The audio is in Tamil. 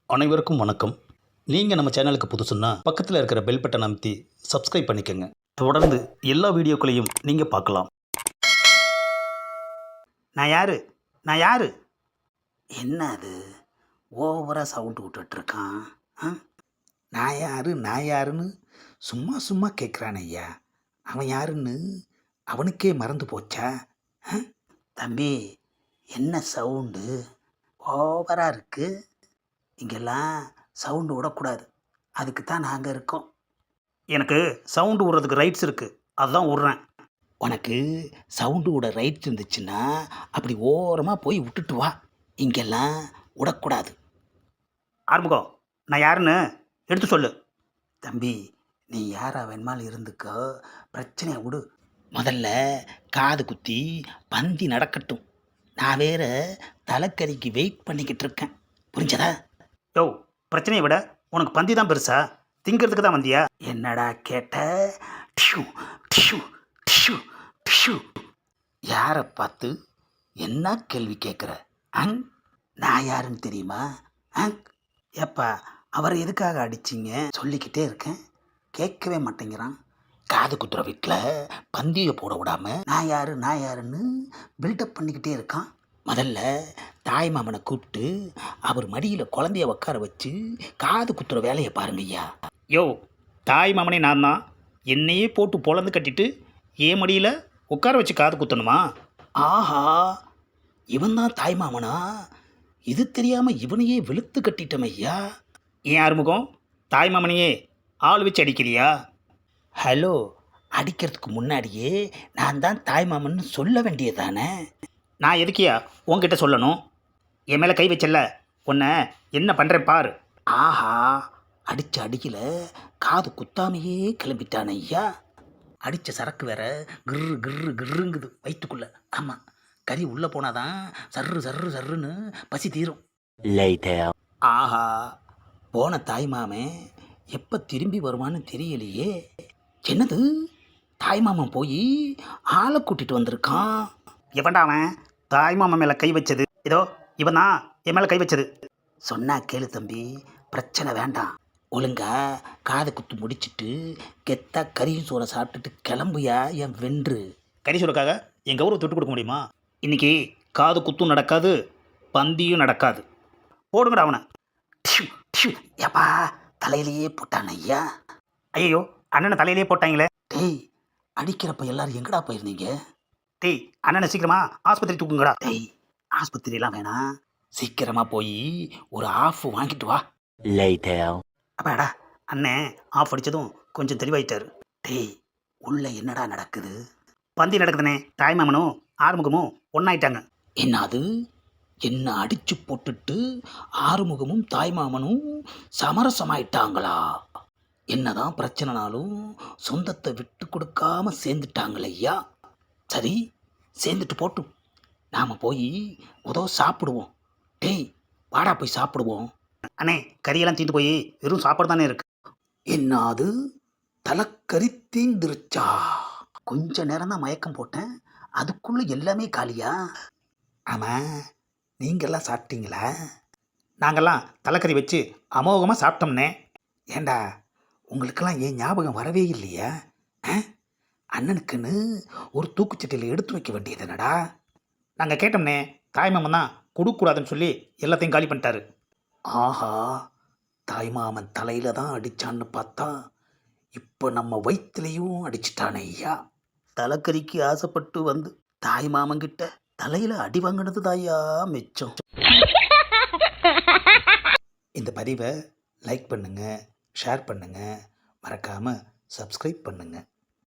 அனைவருக்கும் வணக்கம். நீங்கள் நம்ம சேனலுக்கு புதுசுன்னா பக்கத்தில் இருக்கிற பெல் பட்டனை அமைத்தி சப்ஸ்கிரைப் பண்ணிக்கோங்க. தொடர்ந்து எல்லா வீடியோக்களையும் நீங்கள் பார்க்கலாம். நான் யாரு நான் யாரு என்ன அது ஓவராக சவுண்டு விட்டுட்ருக்கான்? நான் யாருன்னு சும்மா சும்மா கேட்குறான் ஐயா. அவன் யாருன்னு அவனுக்கே மறந்து போச்சா? தம்பி, என்ன சவுண்டு ஓவராக இருக்குது? இங்கெல்லாம் சவுண்டு விடக்கூடாது, அதுக்கு தான் நாங்கள் இருக்கோம். எனக்கு சவுண்டு விடுறதுக்கு ரைட்ஸ் இருக்குது, அதுதான் விட்றேன். உனக்கு சவுண்டு விட ரைட்ஸ் இருந்துச்சுன்னா அப்படி ஓரமாக போய் விட்டுட்டு வா. இங்கெல்லாம் விடக்கூடாது. ஆறுமுகம், நான் யாருன்னு எடுத்து சொல்லு. தம்பி, நீ யாரா வேணுமாலும் இருந்துக்கோ, பிரச்சனையை விடு. முதல்ல காது குத்தி பந்தி நடக்கட்டும். நான் வேற தலைக்கறிக்கு வெயிட் பண்ணிக்கிட்டு இருக்கேன், புரிஞ்சதா? யோ, பிரச்சனையை விட உனக்கு பந்தி தான் பெருசா? திங்கிறதுக்கு தான் வந்தியா? என்னடா கேட்ட? டிஷு டிஷு டிஷு டிஷு. யாரை பார்த்து என்ன கேள்வி கேட்குற? நான் யாருன்னு தெரியுமா? ஏப்பா, அவரை எதுக்காக அடிச்சிங்க? சொல்லிக்கிட்டே இருக்கேன், கேட்கவே மாட்டேங்கிறான். காது குத்துற வீட்டில் பந்தியை போட விடாமல் நான் யாருன்னு பில்டப் பண்ணிக்கிட்டே இருக்கான். முதல்ல தாய் மாமனை கூப்பிட்டு அவர் மடியில் குழந்தைய உட்கார வச்சு காது குத்துற வேலையை பாருங்க ஐயா. யோ, தாய் மாமனே நான் தான். என்னையே போட்டு பொழந்து கட்டிட்டு ஏன் மடியில் உட்கார வச்சு காது குத்தணுமா? ஆஹா, இவன் தான் தாய் மாமனா? இது தெரியாமல் இவனையே வெளுத்து கட்டிட்டோம் ஐயா. ஏன் ஆறுமுகம், தாய் மாமனையே ஆள் வச்சு அடிக்கிறியா? ஹலோ, அடிக்கிறதுக்கு முன்னாடியே நான் தான் தாய் மாமன்னு சொல்ல வேண்டியதானே? நான் எதுக்கியா உன்கிட்ட சொல்லணும்? என் மேலே கை வச்சல, உன்னை என்ன பண்ணுறேன் பாரு. ஆஹா, அடித்த அடியில் காது குத்தாமையே கிளம்பிட்டான் ஐயா. அடித்த சரக்கு வேற கிர்ரு கிர்ரு கிர்ருங்குது வயிற்றுக்குள்ளே. ஆமாம், கறி உள்ளே போனாதான் சர்ரு சர்ரு சர்ருன்னு பசி தீரும். ஆஹா, போன தாய் மாமன் எப்போ திரும்பி வருவான்னு தெரியலையே. என்னது, தாய் மாமன் போய் ஆளை கூட்டிகிட்டு வந்திருக்கான். எவன்டா அவன் தாய் மாமன் மேலே கை வச்சது? இதோ இவன் தான் என் மேலே கை வச்சது. சொன்னா கேளு தம்பி, பிரச்சனை வேண்டாம். ஒழுங்கா காது குத்து முடிச்சுட்டு கெத்தா கறியும் சோறை சாப்பிட்டுட்டு கிளம்புயா என் வென்று. கறி சோறுக்காக என் கௌரவத்தை விட்டு கொடுக்க முடியுமா? இன்னைக்கு காது குத்தும் நடக்காது, பந்தியும் நடக்காது. போடுங்கடா அவனை. ஏப்பா, தலையிலேயே போட்டான் ஐயா. ஐயோ, அண்ணனை தலையிலேயே போட்டாங்களே. டேய், அடிக்கிறப்ப எல்லாரும் எங்கடா போயிருந்தீங்க? டேய், அண்ணனை சீக்கிரமா ஆஸ்பத்திரி தூக்குங்கடா. டேய், ஆஸ்பத்திரிலாம் வேணாம், சீக்கிரமா போய் ஒரு ஆஃப் வாங்கிட்டு வா. அப்பாடா, அண்ணன் ஆஃப் அடித்ததும் கொஞ்சம் தெளிவாயிட்டாரு. டேய், உள்ள என்னடா நடக்குது? பந்தி நடக்குதுனே. தாய்மாமனும் ஆறுமுகமும் ஒன்றாயிட்டாங்க. என்னது, என்ன அடிச்சு போட்டுட்டு ஆறுமுகமும் தாய்மாமனும் சமரசமாயிட்டாங்களா? என்னதான் பிரச்சனைனாலும் சொந்தத்தை விட்டு கொடுக்காம சேர்ந்துட்டாங்களையா. சரி, சேர்ந்துட்டு போட்டும், நாம் போய் சாப்பிடுவோம். டேய், வாடா போய் சாப்பிடுவோம். அண்ணே, கறியெல்லாம் தீந்து போய் வெறும் சாப்பாடு தானே இருக்கு. என்னது, தலைக்கறி தீந்துருச்சா? கொஞ்ச நேரம் தான் மயக்கம் போட்டேன், அதுக்குள்ளே எல்லாமே காலியா? ஆமாம், நீங்கள்லாம் சாப்பிட்டீங்களா? நாங்கள்லாம் தலைக்கறி வச்சு அமோகமாக சாப்பிட்டோம்னே. ஏண்டா, உங்களுக்கெல்லாம் ஏன் ஞாபகம் வரவே இல்லையா? அண்ணனுக்குன்னு ஒரு தூக்குச்சட்டியில் எடுத்து வைக்க வேண்டியது என்னடா? நாங்கள் கேட்டோம்னே, தாய்மாமன் தான் கொடுக்கூடாதுன்னு சொல்லி எல்லாத்தையும் காலி பண்ணிட்டாரு. ஆஹா, தாய்மாமன் தலையில் தான் அடித்தான்னு பார்த்தா இப்போ நம்ம வயிற்றுலையும் அடிச்சிட்டானே ஐயா. தலைக்கறிக்கு ஆசைப்பட்டு வந்து தாய்மாமன்கிட்ட தலையில் அடி வாங்கினது தாயா மிச்சம். இந்த பதிவை லைக் பண்ணுங்கள், ஷேர் பண்ணுங்கள், மறக்காமல் சப்ஸ்கிரைப் பண்ணுங்கள்.